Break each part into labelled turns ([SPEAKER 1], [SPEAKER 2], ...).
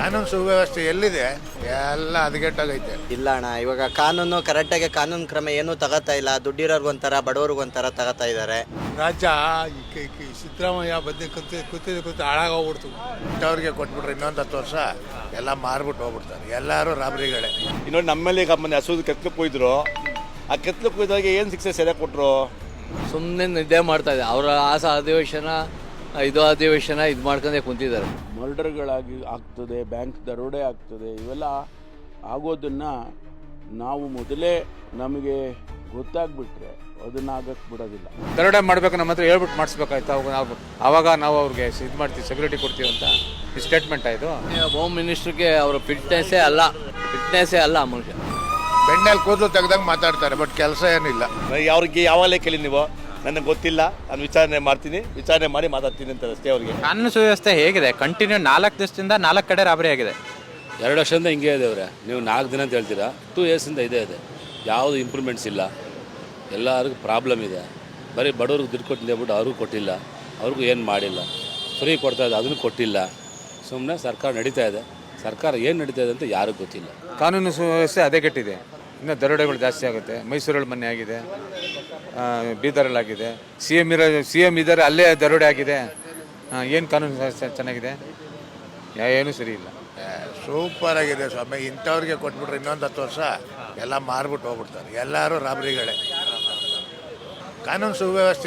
[SPEAKER 1] ಕಾನೂನು ಸುವ್ಯವಸ್ಥೆ ಎಲ್ಲಿದೆ? ಎಲ್ಲ ಹದಗೆಟ್ಟೋಗೈತೆ.
[SPEAKER 2] ಇಲ್ಲ ಅಣ್ಣ, ಇವಾಗ ಕರೆಕ್ಟಾಗಿ ಕಾನೂನು ಕ್ರಮ ಏನೂ ತಗೋತಾ ಇಲ್ಲ. ದುಡ್ಡಿರೋರ್ಗೊಂಥರ ಬಡವ್ರಿಗೊಂಥರ ತಗೋತಾ ಇದ್ದಾರೆ.
[SPEAKER 1] ರಾಜ್ಯ ಸಿದ್ದರಾಮಯ್ಯ ಬದ್ದೆ ಕೂತು ಹಾಳಾಗೋಗ್ಬಿಡ್ತು. ಇಂಥವ್ರಿಗೆ ಕೊಟ್ಬಿಟ್ರೆ ಇನ್ನೊಂದು 10 ವರ್ಷ ಎಲ್ಲ ಮಾರ್ಬಿಟ್ಟು ಹೋಗ್ಬಿಡ್ತಾರೆ. ಎಲ್ಲರೂ ರಾಬರಿಗಳೇ.
[SPEAKER 3] ಇನ್ನೊಂದು ನಮ್ಮಲ್ಲಿ ಮೊನ್ನೆ ಹಸು ಕೆತ್ತಲಕ್ಕೆ ಹೋಯ್ದ್ರು. ಆ ಕೆತ್ತಲಕ್ಕೆ ಹೋಯ್ದಾಗ ಏನು ಶಿಕ್ಷೆ ಸರಿಯಾಗಿ ಕೊಟ್ಟರು?
[SPEAKER 4] ಸುಮ್ಮನೆ ನಿದ್ದೆ ಮಾಡ್ತಾ ಇದೆ. ಅವರ ಅಧಿವೇಶನ ಇದು ಮಾಡ್ಕೊಂಡೇ ಕುಂತಿದ್ದಾರೆ.
[SPEAKER 5] ಮರ್ಡರ್ಗಳಾಗಿ ಆಗ್ತದೆ, ಬ್ಯಾಂಕ್ ದರೋಡೆ ಆಗ್ತದೆ, ಇವೆಲ್ಲ ಆಗೋದನ್ನು ನಾವು ಮೊದಲೇ ನಮಗೆ ಗೊತ್ತಾಗ್ಬಿಟ್ರೆ ಅದನ್ನ ಆಗಕ್ಕೆ ಬಿಡೋದಿಲ್ಲ.
[SPEAKER 6] ದರೋಡೆ ಮಾಡಬೇಕು, ನಮ್ಮ ಹತ್ರ ಹೇಳ್ಬಿಟ್ಟು ಮಾಡಿಸ್ಬೇಕಾಯ್ತು. ಆವಾಗ ನಾವು ಅವ್ರಿಗೆ ಇದು ಮಾಡ್ತೀವಿ, ಸೆಕ್ಯೂರಿಟಿ ಕೊಡ್ತೀವಿ ಅಂತ ಈ ಸ್ಟೇಟ್ಮೆಂಟ್ ಆಯಿತು.
[SPEAKER 4] ಹೋಮ್ ಮಿನಿಸ್ಟ್ರಿಗೆ ಅವರ ಫಿಟ್ನೆಸ್ಸೇ ಅಲ್ಲ ಮನುಷ್ಯ.
[SPEAKER 1] ಬೆಣ್ಣೆಲ್ಲಿ ಕೂದಲು ತೆಗ್ದಂಗೆ ಮಾತಾಡ್ತಾರೆ, ಬಟ್ ಕೆಲಸ ಏನಿಲ್ಲ.
[SPEAKER 3] ಅವ್ರಿಗೆ ಯಾವಾಗಲೇ ಕೇಳಿ ನೀವು, ನನಗೆ ಗೊತ್ತಿಲ್ಲ, ನಾನು ವಿಚಾರಣೆ ಮಾಡ್ತೀನಿ, ವಿಚಾರಣೆ ಮಾಡಿ ಮಾತಾಡ್ತೀನಿ ಅಂತ ಅಷ್ಟೇ. ಅವ್ರಿಗೆ
[SPEAKER 7] ಕಾನೂನು ಸುವ್ಯವಸ್ಥೆ ಹೇಗಿದೆ? ಕಂಟಿನ್ಯೂ 4 ದಿವಸದಿಂದ 4 ಕಡೆ ರಾಬರಿ ಆಗಿದೆ.
[SPEAKER 8] 2 ವರ್ಷದಿಂದ ಹಿಂಗೆ ಇದೆ ಅವರೇ. ನೀವು 4 ದಿನ ಅಂತ ಹೇಳ್ತೀರಾ, 2 ಇಯರ್ಸಿಂದ ಇದೆ. ಯಾವುದು ಇಂಪ್ರೂವ್ಮೆಂಟ್ಸ್ ಇಲ್ಲ, ಎಲ್ಲರಿಗೂ ಪ್ರಾಬ್ಲಮ್ ಇದೆ. ಬರೀ ಬಡವ್ರಿಗೆ ದುಡ್ಡು ಕೊಟ್ಟಿದ್ದೆ ಹೇಳ್ಬಿಟ್ಟು ಅವ್ರಿಗೂ ಕೊಟ್ಟಿಲ್ಲ, ಅವ್ರಿಗೂ ಏನು ಮಾಡಿಲ್ಲ. ಫ್ರೀ ಕೊಡ್ತಾ ಇದೆ, ಅದನ್ನು ಕೊಟ್ಟಿಲ್ಲ. ಸುಮ್ಮನೆ ಸರ್ಕಾರ ನಡೀತಾ ಇದೆ. ಸರ್ಕಾರ ಏನು ನಡೀತಾ ಇದೆ ಅಂತ ಯಾರಿಗೂ ಗೊತ್ತಿಲ್ಲ.
[SPEAKER 6] ಕಾನೂನು ಸುವ್ಯವಸ್ಥೆ ಹದಗೆಟ್ಟಿದೆ. ಇನ್ನು ದರೋಡೆಗಳು ಜಾಸ್ತಿ ಆಗುತ್ತೆ. ಮೈಸೂರಲ್ಲಿ ಮೊನ್ನೆ ಆಗಿದೆ, ಬೀದರಲ್ಲಾಗಿದೆ. ಸಿ ಎಮ್ ಇದ್ದಾರೆ, ಅಲ್ಲೇ ದರೋಡೆ ಆಗಿದೆ. ಏನು ಕಾನೂನು ವ್ಯವಸ್ಥೆ ಚೆನ್ನಾಗಿದೆ? ಏನೂ ಸರಿ ಇಲ್ಲ.
[SPEAKER 1] ಸೂಪರ್ ಆಗಿದೆ ಸ್ವಾಮಿ. ಇಂಥವ್ರಿಗೆ ಕೊಟ್ಬಿಟ್ರೆ ಇನ್ನೊಂದು 10 ವರ್ಷ ಎಲ್ಲ ಮಾರ್ಬಿಟ್ಟು ಹೋಗ್ಬಿಡ್ತಾರೆ. ಎಲ್ಲರೂ ರಾಬರಿಗಳೇ. ಕಾನೂನು ಸುವ್ಯವಸ್ಥೆ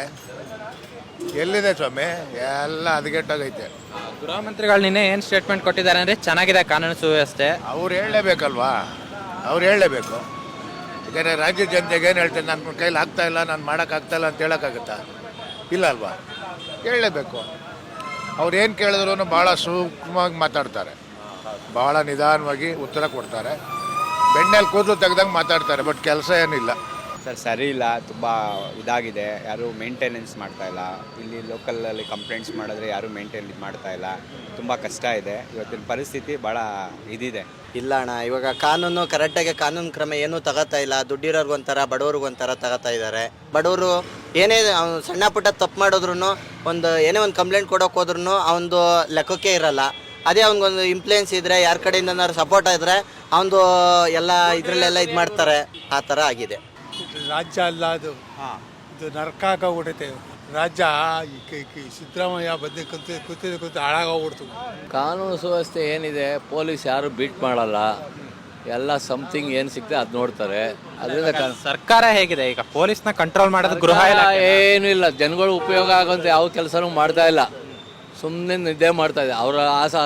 [SPEAKER 1] ಎಲ್ಲಿದೆ ಸ್ವಾಮಿ? ಎಲ್ಲ ಹದಗೆಟ್ಟೋಗೈತೆ.
[SPEAKER 7] ಗೃಹ ಮಂತ್ರಿಗಳು ನಿನ್ನೆ ಏನು ಸ್ಟೇಟ್ಮೆಂಟ್ ಕೊಟ್ಟಿದ್ದಾರೆ ಅಂದರೆ ಚೆನ್ನಾಗಿದೆ ಕಾನೂನು ಸುವ್ಯವಸ್ಥೆ.
[SPEAKER 1] ಅವ್ರು ಹೇಳಲೇಬೇಕಲ್ವಾ? ಅವ್ರು ಹೇಳಲೇಬೇಕು. ಯಾಕಂದರೆ ರಾಜ್ಯ ಜನತೆಗೆ ಏನು ಹೇಳ್ತಾರೆ, ನನ್ನ ಕೈಲಿ ಆಗ್ತಾಯಿಲ್ಲ, ನಾನು ಮಾಡೋಕ್ಕಾಗ್ತಾಯಿಲ್ಲ ಅಂತ ಹೇಳೋಕ್ಕಾಗುತ್ತಾ? ಇಲ್ಲ ಅಲ್ವಾ? ಹೇಳಲೇಬೇಕು. ಅವ್ರು ಏನು ಕೇಳಿದ್ರು ಭಾಳ ಸೂಕ್ಷ್ಮವಾಗಿ ಮಾತಾಡ್ತಾರೆ, ಭಾಳ ನಿಧಾನವಾಗಿ ಉತ್ತರ ಕೊಡ್ತಾರೆ. ಬೆಣ್ಣೆಲ್ಲಿ ಕೂದಲು ತೆಗ್ದಂಗೆ ಮಾತಾಡ್ತಾರೆ, ಬಟ್ ಕೆಲಸ ಏನಿಲ್ಲ.
[SPEAKER 9] ಸರಿ ಇಲ್ಲ, ತುಂಬ ಇದಾಗಿದೆ. ಯಾರೂ ಮೇಂಟೆನೆನ್ಸ್ ಮಾಡ್ತಾ ಇಲ್ಲ. ಇಲ್ಲಿ ಲೋಕಲಲ್ಲಿ ಕಂಪ್ಲೇಂಟ್ಸ್ ಮಾಡಿದ್ರೆ ಯಾರೂ ಮೇಂಟೈನ್ ಮಾಡ್ತಾ ಇಲ್ಲ. ತುಂಬ ಕಷ್ಟ ಇದೆ ಇವತ್ತಿನ ಪರಿಸ್ಥಿತಿ, ಭಾಳ ಇದಿದೆ.
[SPEAKER 2] ಇಲ್ಲ ಅಣ್ಣ, ಇವಾಗ ಕರೆಕ್ಟಾಗಿ ಕಾನೂನು ಕ್ರಮ ಏನೂ ತಗೋತಾ ಇಲ್ಲ. ದುಡ್ಡಿರೋರ್ಗೊಂಥರ ಬಡವ್ರಿಗೊಂಥರ ತಗೋತಾ ಇದ್ದಾರೆ. ಬಡವರು ಏನೇ ಸಣ್ಣ ಪುಟ್ಟ ತಪ್ಪು ಮಾಡಿದ್ರು, ಏನೇ ಒಂದು ಕಂಪ್ಲೇಂಟ್ ಕೊಡೋಕೆ ಹೋದ್ರೂ ಅವನದು ಲೆಕ್ಕಕ್ಕೆ ಇರಲ್ಲ. ಅದೇ ಅವ್ನಿಗೊಂದು ಇಂಪ್ಲೂಯೆನ್ಸ್ ಇದ್ದರೆ, ಯಾರ ಕಡೆಯಿಂದ ಸಪೋರ್ಟ್ ಇದ್ದರೆ ಅವನದು ಎಲ್ಲ ಇದರಲ್ಲೆಲ್ಲ ಇದು ಮಾಡ್ತಾರೆ. ಆ ಥರ ಆಗಿದೆ.
[SPEAKER 1] ರಾಜ್ಯ ಅಲ್ಲ ಅದು, ಇದು ನರಕ ಆಗೋಗ್ಬಿಟ್ಟೈತೆ. ರಾಜ್ಯ ಸಿದ್ದರಾಮಯ್ಯ ಬದ್ದೆ ಕೂತು ಹಾಳಾಗೋಗ್ಬಿಡ್ತು.
[SPEAKER 4] ಕಾನೂನು ಸುವ್ಯವಸ್ಥೆ ಏನಿದೆ, ಪೊಲೀಸ್ ಯಾರು ಬೀಟ್ ಮಾಡಲ್ಲ. ಎಲ್ಲ ಸಮಥಿಂಗ್ ಏನು ಸಿಗ್ತದೆ ಅದು ನೋಡ್ತಾರೆ. ಅದರಿಂದ
[SPEAKER 7] ಸರ್ಕಾರ ಹೇಗಿದೆ ಈಗ? ಪೊಲೀಸ್ನ ಕಂಟ್ರೋಲ್ ಮಾಡೋದು ಗೃಹ
[SPEAKER 4] ಏನೂ ಇಲ್ಲ. ಜನಗಳು ಉಪಯೋಗ ಆಗೋಂಥ ಯಾವ ಕೆಲಸನೂ ಮಾಡ್ತಾ ಇಲ್ಲ. ಸುಮ್ಮನೆ ನಿದ್ದೆ ಮಾಡ್ತಾ ಇದೆ. ಅವರ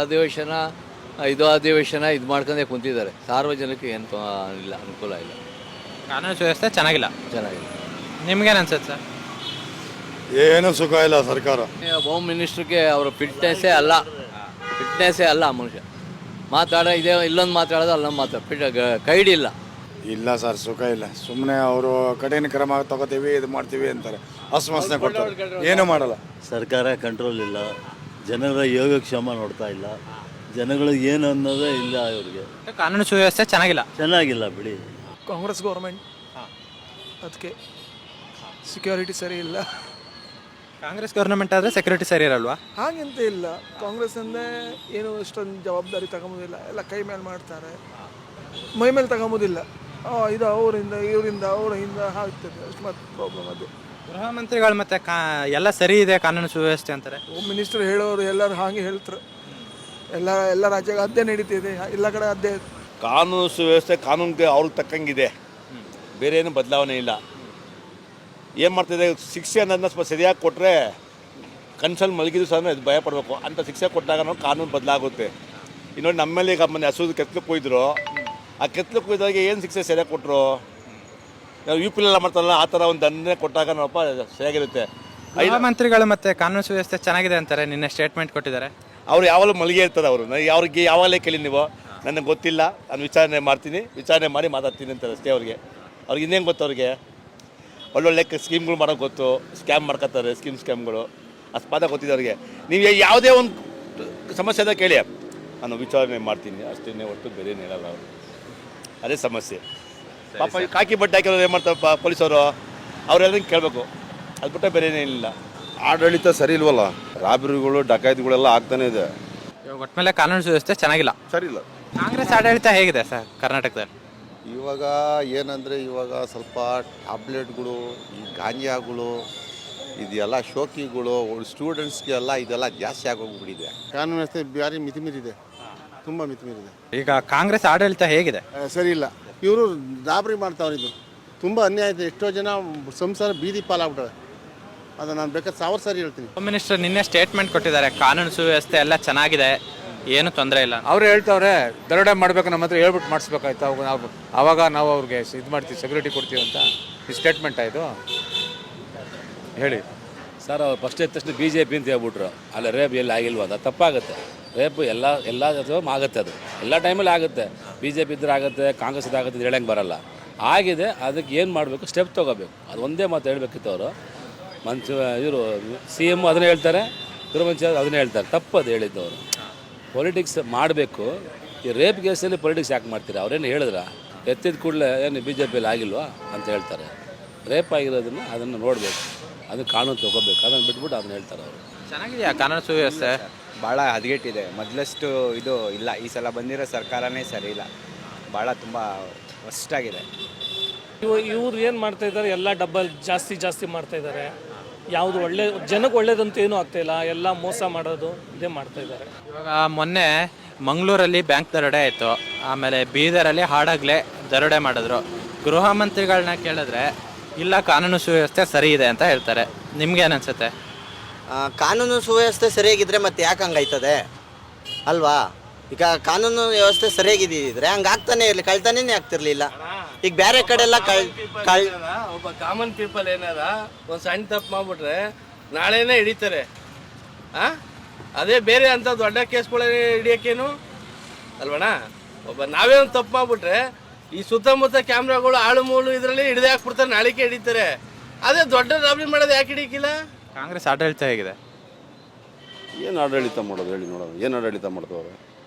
[SPEAKER 4] ಅಧಿವೇಶನ ಇದು ಮಾಡ್ಕೊಂಡೇ ಕುಂತಿದ್ದಾರೆ. ಸಾರ್ವಜನಿಕ ಏನು ಇಲ್ಲ, ಅನುಕೂಲ ಇಲ್ಲ.
[SPEAKER 7] ಕಾನೂನು ಸುವ್ಯವಸ್ಥೆ ಚೆನ್ನಾಗಿಲ್ಲ. ನಿಮ್ಗೇನು ಅನ್ಸುತ್ತೆ ಸರ್?
[SPEAKER 3] ಏನು ಸುಖ ಇಲ್ಲ ಸರ್ಕಾರ.
[SPEAKER 4] ಹೋಮ್ ಮಿನಿಸ್ಟ್ರಿಗೆ ಅವರ ಫಿಟ್ನೆಸ್ಸೇ ಅಲ್ಲ ಮನುಷ್ಯ. ಇಲ್ಲೊಂದು ಮಾತಾಡೋದು ಅಲ್ಲೊಂದು ಕೈಡಿ ಇಲ್ಲ.
[SPEAKER 5] ಇಲ್ಲ ಸರ್, ಸುಖ ಇಲ್ಲ. ಸುಮ್ಮನೆ ಅವರು ಕಠಿಣ ಕ್ರಮ ತಗೋತೀವಿ, ಇದು ಮಾಡ್ತೀವಿ ಅಂತಾರೆ. ಆಶ್ವಾಸನೆ ಕೊಡ್ತಾರೆ, ಏನೂ ಮಾಡಲ್ಲ.
[SPEAKER 10] ಸರ್ಕಾರ ಕಂಟ್ರೋಲ್ ಇಲ್ಲ. ಜನರ ಯೋಗಕ್ಷೇಮ ನೋಡ್ತಾ ಇಲ್ಲ. ಜನಗಳು ಏನು ಅನ್ನೋದೇ ಇಲ್ಲ ಇವ್ರಿಗೆ.
[SPEAKER 7] ಕಾನೂನು ಸುವ್ಯವಸ್ಥೆ
[SPEAKER 10] ಚೆನ್ನಾಗಿಲ್ಲ ಬಿಡಿ.
[SPEAKER 11] ಕಾಂಗ್ರೆಸ್ ಗೌರ್ಮೆಂಟ್, ಅದಕ್ಕೆ ಸೆಕ್ಯೂರಿಟಿ ಸರಿ ಇಲ್ಲ.
[SPEAKER 7] ಕಾಂಗ್ರೆಸ್ ಗೌರ್ಮೆಂಟ್ ಆದರೆ ಸೆಕ್ಯೂರಿಟಿ ಸರಿ ಇರಲ್ವಾ?
[SPEAKER 11] ಹಾಗೆಂತ ಇಲ್ಲ. ಕಾಂಗ್ರೆಸ್ ಅಂದರೆ ಏನು ಅಷ್ಟೊಂದು ಜವಾಬ್ದಾರಿ ತಗೊಂಬೋದಿಲ್ಲ. ಎಲ್ಲ ಕೈ ಮೇಲೆ ಮಾಡ್ತಾರೆ, ಮೈ ಮೇಲೆ ತಗೊಂಬೋದಿಲ್ಲ. ಇದು ಇವರಿಂದ ಆಗ್ತದೆ. ಅಷ್ಟು ಮತ್ತೆ ಪ್ರಾಬ್ಲಮ್ ಅದು.
[SPEAKER 7] ಗೃಹ ಮಂತ್ರಿಗಳು ಮತ್ತೆ ಎಲ್ಲ ಸರಿ ಇದೆ ಕಾನೂನು ಸುವ್ಯವಸ್ಥೆ ಅಂತಾರೆ.
[SPEAKER 11] ಹೋಮ್ ಮಿನಿಸ್ಟರ್ ಹೇಳೋರು ಎಲ್ಲರೂ ಹಾಗೆ ಹೇಳ್ತಾರೆ. ಎಲ್ಲ ರಾಜ್ಯಕ್ಕೆ ಅದೇ ನಡೀತಿದೆ, ಎಲ್ಲ ಕಡೆ ಅದೇ.
[SPEAKER 3] ಕಾನೂನು ಸುವ್ಯವಸ್ಥೆ ಕಾನೂನಿಗೆ ಅವ್ರಿಗೆ ತಕ್ಕಂಗಿದೆ, ಬೇರೆ ಏನು ಬದಲಾವಣೆ ಇಲ್ಲ. ಏನು ಮಾಡ್ತಿದೆ, ಶಿಕ್ಷೆ ಅನ್ನೋದನ್ನ ಸ್ವಲ್ಪ ಸರಿಯಾಗಿ ಕೊಟ್ಟರೆ ಕನ್ಸಲ್ಲಿ ಮಲಗಿದ್ರು ಸಹ ಅದು ಭಯ ಪಡಬೇಕು ಅಂತ ಶಿಕ್ಷೆ ಕೊಟ್ಟಾಗ ನಾವು ಕಾನೂನು ಬದಲಾಗುತ್ತೆ. ಇನ್ನೊಂದು ನಮ್ಮಲ್ಲಿ ಮೊನ್ನೆ ಹಸು ಕೆತ್ತಲಕ್ಕೆ ಹೋಯ್ದ್ರು. ಆ ಕೆತ್ತಲಕ್ಕೆ ಹೋಯ್ದಾಗ ಏನು ಶಿಕ್ಷೆ ಸರಿಯಾಗಿ ಕೊಟ್ಟರು? ನಾವು UP ಮಾಡ್ತಾರಲ್ಲ, ಆ ಥರ ಒಂದು ದಂಡನೆ ಕೊಟ್ಟಾಗ ನಾವಪ್ಪ ಸರಿಯಾಗಿರುತ್ತೆ.
[SPEAKER 7] ಗೃಹ ಮಂತ್ರಿಗಳು ಮತ್ತೆ ಕಾನೂನು ಸುವ್ಯವಸ್ಥೆ ಚೆನ್ನಾಗಿದೆ ಅಂತಾರೆ, ನಿನ್ನೆ ಸ್ಟೇಟ್ಮೆಂಟ್ ಕೊಟ್ಟಿದ್ದಾರೆ.
[SPEAKER 3] ಅವ್ರು ಯಾವಾಗಲೂ ಮಲಗಿ ಇರ್ತಾರೆ. ಅವ್ರಿಗೆ ಯಾವಾಗಲೇ ಕೇಳಿ ನೀವು, ನನಗೆ ಗೊತ್ತಿಲ್ಲ, ನಾನು ವಿಚಾರಣೆ ಮಾಡ್ತೀನಿ, ವಿಚಾರಣೆ ಮಾಡಿ ಮಾತಾಡ್ತೀನಿ ಅಂತಾರೆ ಅಷ್ಟೇ. ಅವ್ರಿಗೆ ಇನ್ನೇನು ಗೊತ್ತು? ಅವ್ರಿಗೆ ಒಳ್ಳೊಳ್ಳೆ ಸ್ಕೀಮ್ಗಳು ಮಾಡೋಕೆ ಗೊತ್ತು. ಸ್ಕ್ಯಾಮ್ ಮಾಡ್ಕೊತಾರೆ, ಸ್ಕ್ಯಾಮ್ಗಳು ಅಸ್ಪಾದ ಗೊತ್ತಿದೆ ಅವ್ರಿಗೆ. ನೀವು ಯಾವುದೇ ಒಂದು ಸಮಸ್ಯೆ ಅದ ಕೇಳಿ, ನಾನು ವಿಚಾರಣೆ ಮಾಡ್ತೀನಿ ಅಷ್ಟೇ ಹೊರತು ಬೇರೆ ಹೇಳಲ್ಲ ಅವರು. ಅದೇ ಸಮಸ್ಯೆ. ಪಾಪ ಕಾಕಿ ಬಟ್ಟೆ ಹಾಕಿರೋರು ಏನು ಮಾಡ್ತಾರೆ ಪೊಲೀಸವರು? ಅವರೆಲ್ಲರೂ ಕೇಳಬೇಕು, ಅದು ಬಿಟ್ಟರೆ ಬೇರೆ ಏನಿಲ್ಲ.
[SPEAKER 5] ಆಡಳಿತ ಸರಿ ಇಲ್ವಲ್ಲ. ರಾಬರಿಗಳು ಡಕಾಯಿತಿಗಳೆಲ್ಲ ಆಗ್ತಾನೆ ಇದೆ.
[SPEAKER 7] ಇವಾಗ ಒಟ್ಮೇಲೆ ಕಾನೂನು ಸುವ್ಯವಸ್ಥೆ ಚೆನ್ನಾಗಿಲ್ಲ.
[SPEAKER 12] ಸರಿ ಇಲ್ಲ.
[SPEAKER 7] ಕಾಂಗ್ರೆಸ್ ಆಡಳಿತ ಹೇಗಿದೆ ಸರ್ ಕರ್ನಾಟಕದಲ್ಲಿ?
[SPEAKER 12] ಇವಾಗ ಏನಂದರೆ ಇವಾಗ ಸ್ವಲ್ಪ ಟ್ಯಾಬ್ಲೆಟ್ಗಳು, ಈ ಗಾಂಜಾಗಳು, ಇದೆಲ್ಲ ಶೋಕಿಗಳು, ಸ್ಟೂಡೆಂಟ್ಸ್ಗೆಲ್ಲ ಇದೆಲ್ಲ ಜಾಸ್ತಿ ಆಗೋಗ್ಬಿಟ್ಟಿದೆ. ಕಾನೂನು ವ್ಯವಸ್ಥೆ ಭಾರಿ ಮಿತಿಮೀರಿದೆ, ತುಂಬ ಮಿತಿಮೀರಿದೆ.
[SPEAKER 7] ಈಗ ಕಾಂಗ್ರೆಸ್ ಆಡಳಿತ ಹೇಗಿದೆ?
[SPEAKER 12] ಸರಿ ಇಲ್ಲ. ಇವರು ದಾಬರಿ ಮಾಡ್ತಾವ್ರೆ, ಇದು ತುಂಬ ಅನ್ಯಾಯ ಇದೆ. ಎಷ್ಟೋ ಜನ ಸಂಸಾರ ಬೀದಿ ಪಾಲಾಗ್ಬಿಟ್ಟವೆ. ಅದು ನಾನು ಬೇಕಾದ್ರೆ 1000 ಸಾರಿ ಹೇಳ್ತೀನಿ.
[SPEAKER 7] ಹೋಮ್ ಮಿನಿಸ್ಟರ್ ನಿನ್ನೆ ಸ್ಟೇಟ್ಮೆಂಟ್ ಕೊಟ್ಟಿದ್ದಾರೆ, ಕಾನೂನು ಸುವ್ಯವಸ್ಥೆ ಎಲ್ಲ ಚೆನ್ನಾಗಿದೆ, ಏನು ತೊಂದರೆ ಇಲ್ಲ.
[SPEAKER 6] ಅವ್ರು ಹೇಳ್ತಾವ್ರೆ ದರೋಡೆ ಮಾಡ್ಬೇಕು, ನಮ್ಮ ಹತ್ರ ಹೇಳ್ಬಿಟ್ಟು ಮಾಡಿಸ್ಬೇಕಾಯ್ತು. ಅವಾಗ ನಾವು ಅವ್ರಿಗೆ ಇದು ಮಾಡ್ತೀವಿ, ಸೆಕ್ಯೂರಿಟಿ ಕೊಡ್ತೀವಿ ಅಂತ. ಈ ಸ್ಟೇಟ್ಮೆಂಟ್ ಆಯಿತು ಹೇಳಿ
[SPEAKER 8] ಸರ್. ಅವ್ರು ಫಸ್ಟ್ ಎದ್ದ ತಕ್ಷಣ BJP ಅಂತ ಹೇಳ್ಬಿಟ್ರು. ಅಲ್ಲ ರೇಪ್ ಎಲ್ಲಿ ಆಗಿಲ್ವ? ಅದು ತಪ್ಪಾಗುತ್ತೆ. ರೇಪ್ ಎಲ್ಲ ಆಗುತ್ತೆ, ಅದು ಎಲ್ಲ ಟೈಮಲ್ಲಿ ಆಗುತ್ತೆ. BJP ಇದ್ರೆ ಆಗುತ್ತೆ, ಕಾಂಗ್ರೆಸ್ ಇದಾಗುತ್ತೆ, ಇದು ಹೇಳಂಗೆ ಬರಲ್ಲ. ಆಗಿದೆ, ಅದಕ್ಕೆ ಏನು ಮಾಡಬೇಕು, ಸ್ಟೆಪ್ ತೊಗೋಬೇಕು. ಅದು ಒಂದೇ ಮಾತು ಹೇಳಬೇಕಿತ್ತು ಅವರು. ಇವರು CM ಅದನ್ನೇ ಹೇಳ್ತಾರೆ, ಗೃಹ ಮಂತ್ರಿ ಅದನ್ನೇ ಹೇಳ್ತಾರೆ. ತಪ್ಪದು ಹೇಳಿದ್ದವರು. ಪೊಲಿಟಿಕ್ಸ್ ಮಾಡಬೇಕು. ಈ ರೇಪ್ ಕೇಸಲ್ಲಿ ಪೊಲಿಟಿಕ್ಸ್ ಯಾಕೆ ಮಾಡ್ತೀರಾ? ಅವ್ರೇನು ಹೇಳಿದ್ರ? ಎತ್ತಿದ ಕೂಡಲೇ ಏನು BJPಯಲ್ಲಿ ಆಗಿಲ್ವಾ ಅಂತ ಹೇಳ್ತಾರೆ. ರೇಪ್ ಆಗಿರೋದನ್ನು ಅದನ್ನು ನೋಡಬೇಕು, ಅದನ್ನು ಕಾನೂನು ತೊಗೋಬೇಕು. ಅದನ್ನು ಬಿಟ್ಬಿಟ್ಟು ಅದನ್ನ ಹೇಳ್ತಾರೆ ಅವರು.
[SPEAKER 7] ಚೆನ್ನಾಗಿದೆಯಾ ಕಾನೂನು ಸುವ್ಯವಸ್ಥೆ?
[SPEAKER 9] ಭಾಳ ಹದಗೆಟ್ಟಿದೆ. ಮೊದಲಷ್ಟು ಇದು ಇಲ್ಲ. ಈ ಸಲ ಬಂದಿರೋ ಸರ್ಕಾರನೇ ಸರಿ ಇಲ್ಲ. ಭಾಳ ತುಂಬ ವರ್ಸ್ಟಾಗಿದೆ.
[SPEAKER 11] ಇವ್ರು ಏನು ಮಾಡ್ತಾ ಇದ್ದಾರೆ, ಎಲ್ಲ ಡಬ್ಬಲ್ ಜಾಸ್ತಿ ಮಾಡ್ತಾ ಇದ್ದಾರೆ. ಯಾವುದು ಒಳ್ಳೆ ಜನಕ್ಕೆ ಒಳ್ಳೇದಂತೂ ಏನೂ ಆಗ್ತಾಯಿಲ್ಲ, ಎಲ್ಲ ಮೋಸ ಮಾಡೋದು ಇದೇ ಮಾಡ್ತಾ ಇದ್ದಾರೆ.
[SPEAKER 7] ಇವಾಗ ಮೊನ್ನೆ ಮಂಗಳೂರಲ್ಲಿ ಬ್ಯಾಂಕ್ ದರೋಡೆ ಆಯಿತು, ಆಮೇಲೆ ಬೀದರಲ್ಲಿ ಹಾಡಾಗಲೇ ದರೋಡೆ ಮಾಡಿದ್ರು. ಗೃಹ ಮಂತ್ರಿಗಳನ್ನ ಕೇಳಿದ್ರೆ ಇಲ್ಲ ಕಾನೂನು ಸುವ್ಯವಸ್ಥೆ ಸರಿ ಇದೆ ಅಂತ ಹೇಳ್ತಾರೆ. ನಿಮ್ಗೇನು ಅನ್ಸುತ್ತೆ?
[SPEAKER 2] ಕಾನೂನು ಸುವ್ಯವಸ್ಥೆ ಸರಿಯಾಗಿದ್ದರೆ ಮತ್ತೆ ಯಾಕೆ ಹಂಗಾಯ್ತದೆ ಅಲ್ವಾ? ಈಗ ಕಾನೂನು ವ್ಯವಸ್ಥೆ ಸರಿಯಾಗಿದ್ದಿದ್ರೆ ಹಂಗಾಗ್ತಾನೆ ಇರಲಿ, ಕಳ್ತಾನೇ ಆಗ್ತಿರ್ಲಿಲ್ಲ. ಈಗ ಬೇರೆ ಕಡೆ ಎಲ್ಲ
[SPEAKER 13] ಒಬ್ಬ ಕಾಮನ್ ಪೀಪಲ್ ಏನಾರ ಒಂದು ಸಣ್ಣ ತಪ್ಪು ಮಾಡ್ಬಿಟ್ರೆ ನಾಳೆನೇ ಹಿಡಿತಾರೆ. ಅದೇ ಬೇರೆ ಅಂತ ದೊಡ್ಡ ಕೇಸ್ಗಳೇ ಹಿಡಿಯೋಕ್ಕೇನು ಅಲ್ವಣ್ಣ? ನಾವೇ ಒಂದು ತಪ್ಪು ಮಾಡ್ಬಿಟ್ರೆ ಈ ಸುತ್ತಮುತ್ತ ಕ್ಯಾಮ್ರಾಗಳು ಆಳು ಮೂಳು ಇದರಲ್ಲಿ ಹಿಡಿದೇ ಹಾಕ್ಬಿಡ್ತಾರೆ, ನಾಳಿಕೆ ಹಿಡಿತಾರೆ. ಅದೇ ದೊಡ್ಡ ರಾಬರಿ ಮಾಡೋದು ಯಾಕೆ ಹಿಡಿಯಕ್ಕಿಲ್ಲ?
[SPEAKER 7] ಕಾಂಗ್ರೆಸ್ ಆಡಳಿತ ಹೇಗಿದೆ?
[SPEAKER 12] ಏನು ಆಡಳಿತ ಮಾಡೋದು ಹೇಳಿ ನೋಡೋದು? ಏನು ಆಡಳಿತ ಮಾಡ್ತವ್ರೆ?